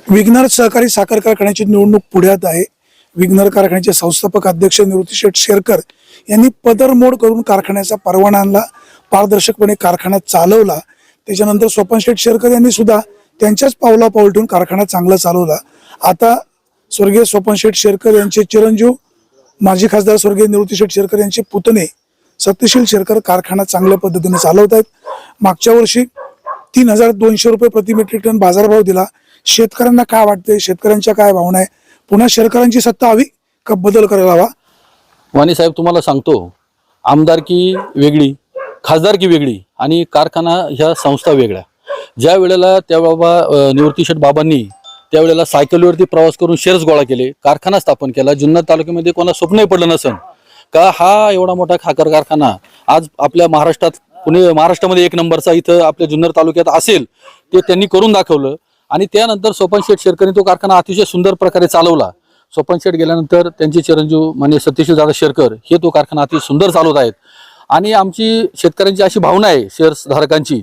विघ्नर सहकारी साखर कारखान्याची निवडणूक पुढ्यात आहे. विघ्नर कारखान्याचे संस्थापक अध्यक्ष निवृत्ती शेठ शेरकर यांनी पदरमोड करून कारखान्याचा परवाना आणला, पारदर्शकपणे कारखाना चालवला. त्याच्यानंतर स्वपन शेठ शेरकर यांनी सुद्धा त्यांच्याच पावला पाऊल ठेवून कारखाना चांगला चालवला. आता स्वर्गीय स्वपन शेठ शेरकर यांचे चिरंजीव माजी खासदार स्वर्गीय निवृत्ती शेठ शेरकर यांचे पुतणे सत्यशील शेरकर कारखाना चांगल्या पद्धतीने चालवत आहेत. मागच्या वर्षी 3200 रुपये प्रति मेट्रिक टन बाजारभाव दिला. शेतकऱ्यांना काय वाटतंय, शेतकऱ्यांच्या काय भावना आहे, पुन्हा शेतकऱ्यांची सत्ता हवी का बदल करायला हवा? वाणी साहेब, तुम्हाला सांगतो, आमदारकी वेगळी, खासदारकी वेगळी आणि कारखाना ह्या संस्था वेगळ्या. ज्या वेळेला त्या निवृत्ती शेठ बाबांनी त्यावेळेला सायकलीवरती प्रवास करून शेअर्स गोळा केले, कारखाना स्थापन केला. जुन्नर तालुक्यामध्ये कोणा स्वप्नही पडलं नसन का हा एवढा मोठा साखर कारखाना आज आपल्या महाराष्ट्रात, महाराष्ट्रामध्ये 1 नंबरचा इथं आपल्या जुन्नर तालुक्यात असेल, ते त्यांनी करून दाखवलं. आणि त्यानंतर स्वपन शेठ शेरकरने तो कारखाना अतिशय सुंदर प्रकारे चालवला. स्वपन शेठ गेल्यानंतर त्यांचे चिरंजीव म्हणजे सत्यशील दादा शेरकर हे तो कारखाना अति सुंदर चालवत आहेत. आणि आमची शेतकऱ्यांची अशी भावना आहे, शेअर्स धारकांची,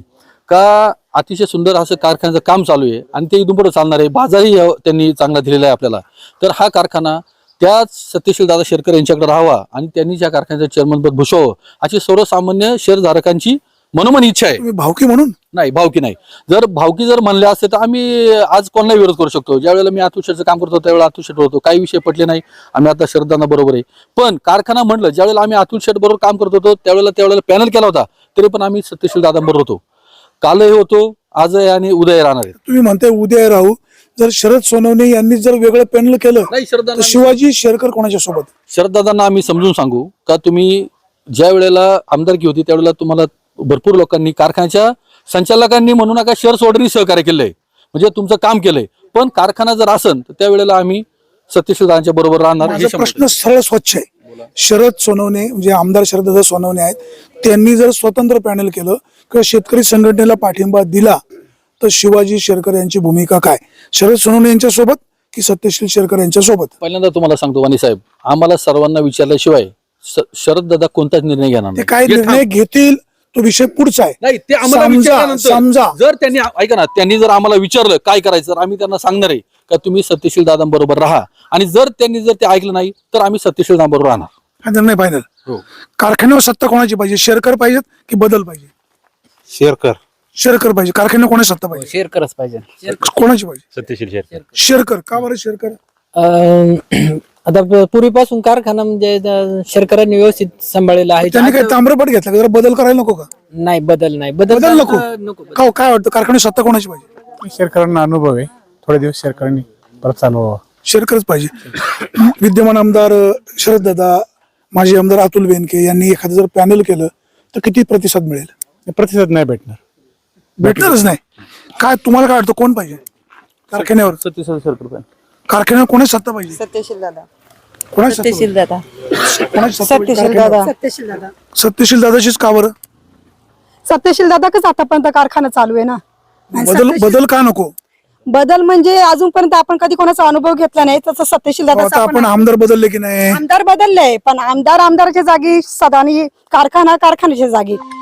का अतिशय सुंदर असं कारखान्याचं काम चालू आहे आणि ते इथून पुढे चालणार आहे. बाजारही त्यांनी चांगला दिलेला आहे आपल्याला. तर हा कारखाना त्याच सत्यशील दादा शेरकर यांच्याकडे राहावा आणि त्यांनी त्या कारखान्याचं चेअरमनपद भूषवावं अशी सर्वसामान्य शेअरधारकांची मनोमन इच्छा आहे. भावकी म्हणून नाही, भावकी नाही. जर भावकी जर म्हणले असते तर आम्ही आज कोणाला विरोध करू शकतो. ज्यावेळेला मी अतुल शेठचं काम करतो त्यावेळेला अतुल शेठ होतो, काही विषय पटले नाही, आम्ही आता शरदांना बरोबर आहे. पण कारखाना म्हणलं, ज्यावेळेला आम्ही अतुल शेठ बरोबर काम करत होतो त्यावेळेला पॅनल केला होता, तरी पण आम्ही सत्यशील दादांबरोबर होतो. कालही होतो, आजही आणि उद्या राहणार आहे. तुम्ही म्हणताय उद्या राहू. जर शरद सोनवणे यांनी जर वेगळं पॅनल केलं नाही, तर शिवाजी शेरकर कोणाच्या सोबत? शरददादांना आम्ही समजून सांगू का तुम्ही ज्या वेळेला आमदारकी होती त्यावेळेला तुम्हाला भरपूर लोकांनी, कारखान्याच्या संचालकांनी म्हणू नका, शेअर सोडणी सहकार्य केलंय, म्हणजे तुमचं काम केलंय. पण कारखाना जर असेल तर त्यावेळेला आम्ही सत्यशील दादांच्या बरोबर राहणार. माझा प्रश्न सरळ स्वच्छ आहे. शरद सोनवणे म्हणजे आमदार शरददादा सोनवणे आहेत, त्यांनी जर स्वतंत्र पॅनल केलं किंवा शेतकरी संघटनेला पाठिंबा दिला तर शिवाजी शेरकर यांची भूमिका काय? शरद सोनवणे यांच्या सोबत की सत्यशील शेरकर यांच्या सोबत? पहिल्यांदा तुम्हाला सांगतो वाणी साहेब, आम्हाला सर्वांना विचारल्याशिवाय शरद दादा कोणताच निर्णय घेणार ते काय निर्णय घेतील तो विषय पुढचा आहे. नाही, ते आम्हाला समजा जर त्यांनी ऐका ना, त्यांनी जर आम्हाला विचारलं काय करायचं तर आम्ही त्यांना सांगणार आहे का तुम्ही सत्यशील दादांबरोबर राहा. आणि जर त्यांनी ते ऐकलं नाही तर आम्ही सत्यशील दादांबरोबर राहणार. हा निर्णय फायनल. कारखान्यावर सत्ता कोणाची पाहिजे? शेरकर पाहिजेत की बदल पाहिजे? शेरकर. शेरकर पाहिजे. कारखान्यावर कोणाची सत्ता पाहिजे? शेरकरच पाहिजे. कोणाची पाहिजे? सत्यशील शेरकर. शेरकर का बरं? शेरकर आता पूर्वीपासून कारखाना म्हणजे शेरकरांनी व्यवस्थित सांभाळलेला आहे. त्यांनी काही ताम्रपट घेतला, जरा बदल करायला नको का? नाही, बदल नाही, बदल नको. का काय वाटतं कारखान्यावर सत्ता कोणाची पाहिजे? शेरकरांना अनुभव आहे, थोडे दिवस शेरकरांनी परत चालवावा. शेरकरच पाहिजे. विद्यमान आमदार शरददादा, माजी आमदार अतुल बेनके यांनी एखादं जर पॅनल केलं तर किती प्रतिसाद मिळेल? प्रतिसाद नाही भेटणार. भेटणारच नाही. काय तुम्हाला काय वाटतं कोण पाहिजे कारखान्यावर? सत्यशील शेरकर. कारखान्यावर कोणाची सत्ता पाहिजे? सत्यशील दादा. कोणाची सत्ता सत्यशील दादा. कोणाची सत्ता पाहिजे सत्यशील कारखान्यावर? दादा. सत्यशील दादा. सत्यशील दादाचीच का बरं? सत्यशील दादाच आतापर्यंत कारखाना चालू आहे ना. बदल का नको? बदल म्हणजे अजूनपर्यंत आपण कधी कोणाचा अनुभव घेतला नाही, तसं सत्यशील आता दादा. आपण आमदार बदलले की नाही? आमदार बदलले, पण आमदार आमदाराच्या जागी सदानी, कारखाना कारखान्याच्या जागी.